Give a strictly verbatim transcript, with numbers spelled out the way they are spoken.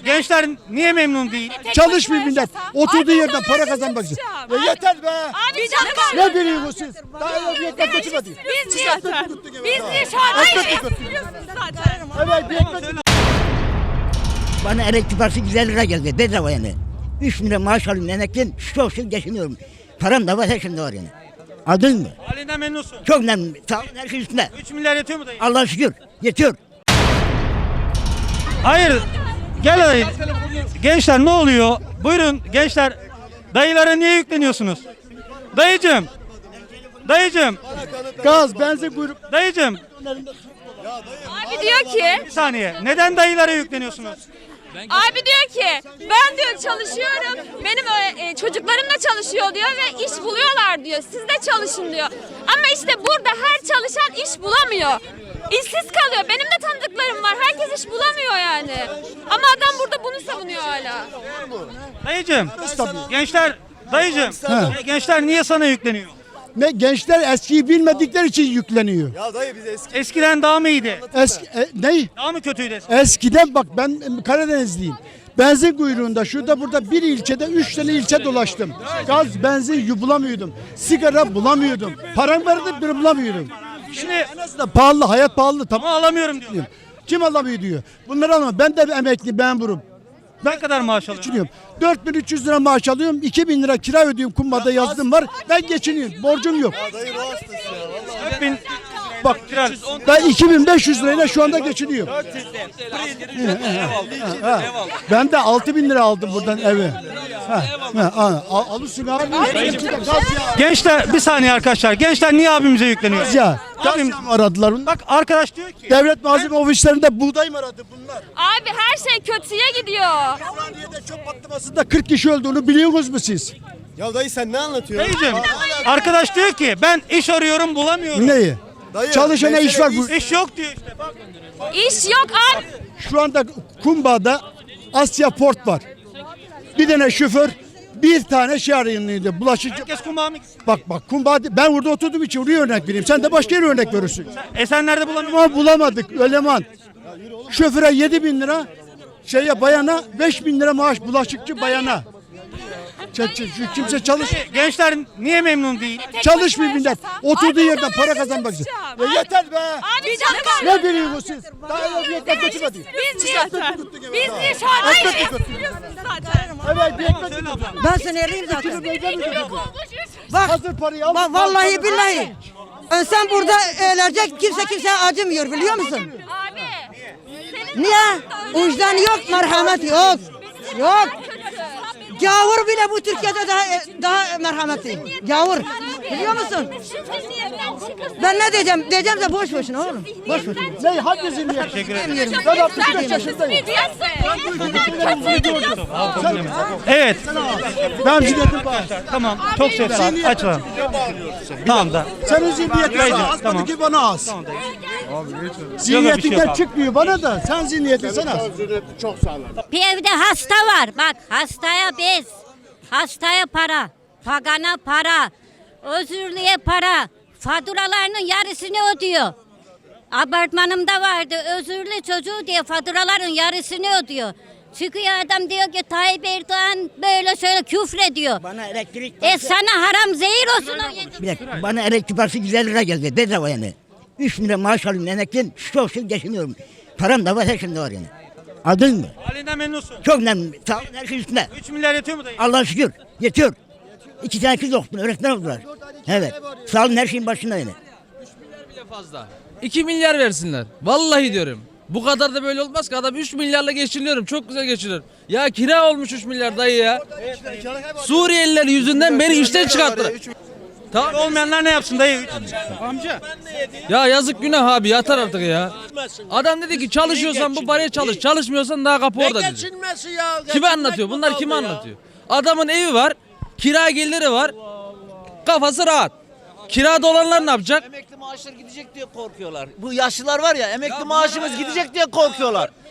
gençler niye memnun değil? Çalışmıyor millet. Oturduğu yerden para kazanmak için. Ya yeter be. Abi canım. Ne biliyorsunuz siz? Daha yok bir ekmek götürmedi. Biz niye? Biz niye şu an Ekmek götürdü. zaten? Evet bir ekmek. Bana elektrik parası yüz elli lira geldi bedava yani. üç bin lira maaş alıyorum emekliyim, çok şükür geçiniyorum. Param da var, her şeyim de var yani. Anladın mı? Halinden memnunsun. Çok memnunum. Sağ olun, her şey üstünde. üç milyar yetiyor mu dayı? Allah'a şükür, yetiyor. Hayır. Gel dayı. Gençler ne oluyor? Buyurun gençler. Dayılara niye yükleniyorsunuz? Dayıcım. Dayıcım. Gaz, benzin kuyruk. Dayıcım. Abi diyor ki, Bir saniye. Neden dayılara yükleniyorsunuz? abi diyor ki ben diyor çalışıyorum. Benim e, çocuklarım da çalışıyor diyor ve iş buluyorlar diyor. Siz de çalışın diyor. Ama işte burada her çalışan iş bulamıyor. İşsiz kalıyor. Benim de tanıdıklarım var. Herkes iş bulamıyor yani. Ama adam burada bunu savunuyor hala. Dayıcım. Gençler. Dayıcım. Gençler niye sana yükleniyor? Ne gençler eskiyi bilmedikleri için yükleniyor. Ya dayı biz eski Eskiden daha mı iyiydi? Eski e, ne? Daha mı kötüydü eskiden? Eskiden bak ben e, Karadenizliyim. Benzin kuyruğunda şurada burada bir ilçede üç tane ilçe dolaştım. Gaz, benzin bulamıyordum. Sigara bulamıyordum. Param vardı bir bulamıyordum. Şimdi En azından pahalı, hayat pahalı. Tamam. ama alamıyorum diyor. Kim alamıyor diyor. Bunları alamam. Ben de emekli, ben burum. Ne kadar maaş alıyorsun? Geçiniyorum. dört bin üç yüz lira maaş alıyorum. iki bin lira kira ödüyorum. Kumbada yazdım var. Ben geçiniyorum. Borcum yok. dayı ruh hastası ya. Vallahi. dört bin Bak kira. ben iki bin beş yüz lirayla şu anda geçiniyorum. Ha, ben de altı bin lira aldım buradan evi. Ha, ha, ha, al- alırsın abi. Gaz ya. Gençler bir saniye arkadaşlar. Gençler niye abimize yükleniyor? Gaz ya. Gaz Abim- ya mı aradılar bunlar? Bak arkadaş diyor ki Devlet malzeme ofislerinde buğday mı aradı bunlar? Abi her şey kötüye gidiyor. Ümraniye'de çöp patlamasında kırk kişi öldüğünü biliyorsunuz mu siz? Ya dayı sen ne anlatıyorsun? dayıcım arkadaş diyor ki ben iş arıyorum bulamıyorum. Neyi? Dayı, Çalışana mesele iş var. Bu, İş yok diyor işte. Bak. İş yok abi. şu anda Kumba'da Asya Port var. Bir tane şoför, bir tane şey arayınlıydı. Bulaşıcı. Herkes kumağı mı gitsin? Bak bak Kumba, ben burada oturduğum için oraya örnek vereyim. Sen de başka yere örnek verirsin. Esenler'de bulamıyorum. Ama bulamadık eleman. Şoföre yedi bin lira, şeye bayana beş bin lira maaş, bulaşıkçı bayana. Ç- ç- ç- Kimse çalış Gençler niye memnun değil? çalışmıyor millet. Oturduğu yerden para kazanmak için. Ya yeter be. Abi canım. Ne biliyorsunuz siz? Daha yok bir ekmek götürmedi. Biz niye? Biz niye şu an Ekmek götürdü. zaten? Evet bir ekmek götürdü. Ben seni arayayım zaten. Bak hazır parayı al. Bak vallahi billahi. Sen burada ölecek, kimse kimseye acımıyor biliyor musun? Abi. Niye? Vicdan yok, merhamet yok. Yok. Gavur bile bu Türkiye'de daha daha merhametli. Gavur. Biliyor musun? Ben ne diyeceğim? Diyeceğim de boş boşuna oğlum. Boş boşuna. Ne hangi zihniyet? Teşekkür ederim. Demiyorum. Ben altmış beş yaşındayım. Evet. Ben zihniyetim var. Tamam. Çok sesli. Açalım. Tamam da. Senin zihniyetin Haydi, sana az, tamam. ki bana az. Yok, bir şey Zihniyetinden yok abi. çıkmıyor bana da. Sen zihniyetin sana az. Bir evde hasta var. Bak hastaya bez, hastaya para, pagana para, özürlüye para, faturalarının yarısını ödüyor. Apartmanımda vardı özürlü çocuğu diye faturaların yarısını ödüyor. Çıkıyor adam diyor ki Tayyip Erdoğan böyle şöyle küfrediyor. Bana elektrik E sana haram zehir olsun o yedi. Bir dakika, bana elektrik parası yüz elli lira geldi bedava yani. üç bin lira maaş alıyorum emekliyim, çok şükür geçiniyorum. Param da var, her şeyim de var yani. Anladın mı? Halinden memnunsun. Çok memnunum. Sağ olun, her şey üstünde. üç milyar yetiyor mu dayı? Allah'a şükür, yetiyor. İki tane kız okudum, öğretmen oldular. Evet, sağ olun, her şeyin başında yani. Fazla. iki milyar versinler. Vallahi diyorum. Bu kadar da böyle olmaz ki, adam üç milyarla geçiniyorum. Çok güzel geçiniyorum. Ya kira olmuş üç milyar dayı ya. Suriyeliler yüzünden beni işten çıkarttılar. Tamam. Olmayanlar ne yapsın dayı? Ya yazık günah abi, yatar artık ya. Adam dedi ki çalışıyorsan bu paraya çalış. Çalışmıyorsan daha kapı orada dedi. Geçinmesi ya. Kime anlatıyor? Bunlar kime anlatıyor? Adamın evi var. Kira geliri var. Kafası rahat. Kirada olanlar ne yapacak? Emekli maaşları gidecek diye korkuyorlar. Bu yaşlılar var ya, emekli maaşımız gidecek diye korkuyorlar.